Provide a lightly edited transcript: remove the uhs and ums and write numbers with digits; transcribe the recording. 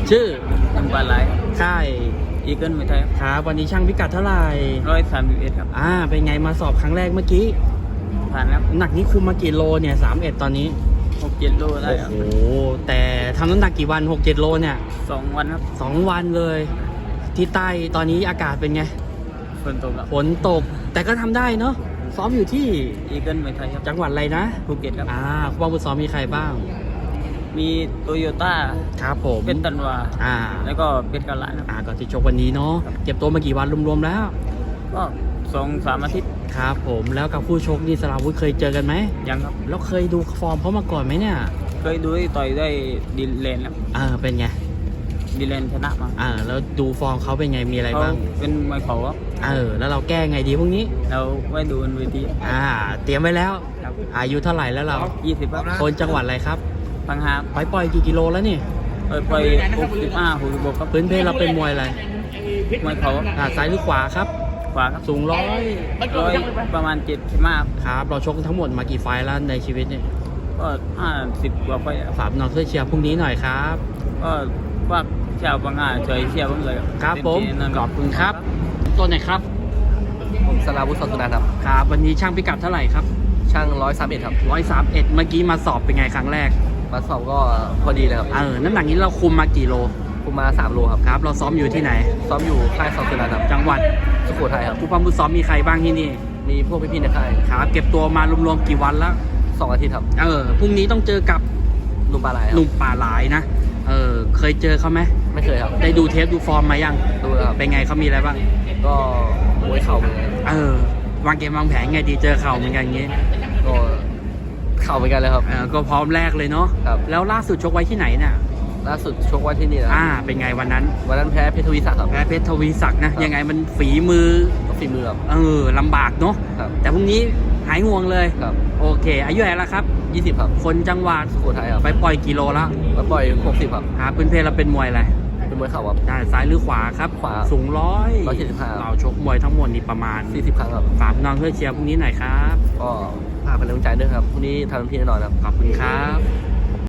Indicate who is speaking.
Speaker 1: ชื่อ
Speaker 2: น้ำปลาไหล
Speaker 1: ค่าย
Speaker 2: อีเกิลไม่ไทย
Speaker 1: ครับวันนี้ช่างพิกัดเท่าไหร่
Speaker 2: 131ครับ
Speaker 1: เป็นไงมาสอบครั้งแรกเมื่อกี้
Speaker 2: ผ่านครับ
Speaker 1: หนักนี้คุมมากี่โลเนี่ย31ตอนนี้
Speaker 2: 6-7 โลได้ครับ
Speaker 1: โอ้โหแต่ทำน้ำหนักกี่วัน6-7 โลเนี่ย
Speaker 2: 2 วันครับ
Speaker 1: 2 วันเลย ที่ใต้ตอนนี้อากาศเป็นไง
Speaker 2: ฝนตกครับ
Speaker 1: ฝนตกแต่ก็ทำได้เนาะซ้อมอยู่ที่
Speaker 2: อีเกิลไม่ไทยครับ
Speaker 1: จังหวัดอะไรนะ
Speaker 2: ภูเก็ตครับ
Speaker 1: ผู้บังคับซ้อมมีใครบ้าง
Speaker 2: มีโตโยต้า
Speaker 1: ครับผม
Speaker 2: เป็นตันวา
Speaker 1: อ่า
Speaker 2: แล้วก็เป็นกาลาครับ
Speaker 1: ก็ที่ชกวันนี้เนาะเก็บตัวมากี่วันรวมๆแล้ว
Speaker 2: ก็2-3 อาทิตย์
Speaker 1: ครับผมแล้วกับผู้ชกนี่สราวุธเคยเจอกันไหม
Speaker 2: ยังครับ
Speaker 1: แล้วเคยดูฟอร์มเขามาก่อนไหมเนี่ย
Speaker 2: เคยดูที่ต่อยได้ดีเลนครับ
Speaker 1: เป็นไง
Speaker 2: ดีเลนชนะมา
Speaker 1: แล้วดูฟอร์มเขาเป็นไงมีอะไร
Speaker 2: เขา
Speaker 1: บ้าง
Speaker 2: เป็นมวยเขาครับ
Speaker 1: แล้วเราแก้ไงดีพวกนี้
Speaker 2: เราไว้ดูบนเวที
Speaker 1: เตรียมไว้แล้ว
Speaker 2: ครับ
Speaker 1: อายุเท่าไหร่แล้วเรา
Speaker 2: 20ครับ
Speaker 1: คนจังหวัดอะไรครับ
Speaker 2: พังหา
Speaker 1: ปล่อยกี่กิโลแล้วนี่
Speaker 2: ไป65-66ครับ
Speaker 1: พื้นเพเราเป็นมวยอะไร
Speaker 2: มวยเขา
Speaker 1: ซ้ายหรือขวาครับ
Speaker 2: ขวาครับ
Speaker 1: สูงร้อย
Speaker 2: ประมาณ75
Speaker 1: ครับเราชกทั้งหมดมากี่ไฟล์แล้วในชีวิตเนี่ย
Speaker 2: ก็50 กว่าไปครับ
Speaker 1: ฝากน้องช่วยเชียร์พรุ่งนี้หน่อยครับ
Speaker 2: ก็ว่าชาวบางอาช่วยเชียร์ผมเลย
Speaker 1: ครับผม
Speaker 2: เต็ที่แน่นน
Speaker 1: ขอบคุณครับตัวไหนครับ
Speaker 3: ผมสราวุฒิ สอนสุนันท์ครับ
Speaker 1: ครับวันนี้ช่างพิกัดเท่าไหร่ครับ
Speaker 3: ช่าง131ครับ
Speaker 1: 131เมื่อกี้มาสอบเป็นไงครั้งแรก
Speaker 3: มาสอบก็พอดีเลยครับ
Speaker 1: น้ำหนักนี้เราคุมมากี่โล
Speaker 3: ผมมา3 โลครับ
Speaker 1: ครับเราซ้อมอยู่ที่ไหน
Speaker 3: ซ้อมอยู่ค่ายสอนสุนันท์ครับ
Speaker 1: จังหวัด
Speaker 3: สุโขทัยครับ
Speaker 1: ผู้ปั้มผู้ซ้อมมีใครบ้างที่นี่
Speaker 3: มีพวกพี่ๆในค่าย
Speaker 1: ครับเก็บตัวมารวมๆกี่วันแล้ว
Speaker 3: 2 อาทิตย์ครับ
Speaker 1: พรุ่งนี้ต้องเจอกับ
Speaker 3: หนุ่มปลาไหลค
Speaker 1: ห
Speaker 3: รับ
Speaker 1: นุ่มป่าหลายนะเคยเจอเขาไหม
Speaker 3: ไม่เคยครับ
Speaker 1: ได้ดูเทปดูฟอร์มมายัง
Speaker 3: ดูแล้วครับ
Speaker 1: เป็นไงเขามีอะไรบ้าง
Speaker 3: ก็มวยเข่าเหมือนกัน
Speaker 1: วางเกมวางแผนไงดีเจอเข่าเหมือนกันอย่างงี้
Speaker 3: ก็เข่าเหมือนกันเลยครับ
Speaker 1: ก็พร้อมแรกเลยเนาะ
Speaker 3: ครับ
Speaker 1: แล้วล่าสุดชกไว้ที่ไหนเนี่ย
Speaker 3: ล่าสุดชกไว้ที่นี่นะ
Speaker 1: เป็นไงวันนั้น
Speaker 3: วันนั้นแพ้เพชรทวีศักดิ์ครับ
Speaker 1: แพ้เพชรทวีศักดิ์นะ
Speaker 3: ครับ
Speaker 1: ยังไงมันฝีมือ
Speaker 3: ก็ฝีมือครับ
Speaker 1: ลำบากเนาะ
Speaker 3: ครับ
Speaker 1: แต่พรุ่งนี้หายห่วงเลย
Speaker 3: ครับ
Speaker 1: โอเคอายุเท่าไหร่แล้วครับ
Speaker 3: 20ครับ
Speaker 1: คนจังหวัด
Speaker 3: สุโขทัยครับ
Speaker 1: ไปปล่อยกิโลแล้ว
Speaker 3: มาปล่อย60ครับ
Speaker 1: พื้นเพเราเป็นมวยอะไร
Speaker 3: เป็นมวยเข่าครับ
Speaker 1: ซ้ายหรือขวาครับ
Speaker 3: ขวา
Speaker 1: สูง
Speaker 3: 175
Speaker 1: เราชกมวยทั้งหมดนี่ประมาณ
Speaker 3: 40 ครั้งครับ
Speaker 1: ฝากน้องเพื่อเชียร์พรุ่งนี้หน่อยครับ
Speaker 3: ก็ฝากเป็นกำลังใจด้วยครับพรุ่งนี้ทำเต็มที่แน่นอนครับ
Speaker 1: ขอบคุณครับ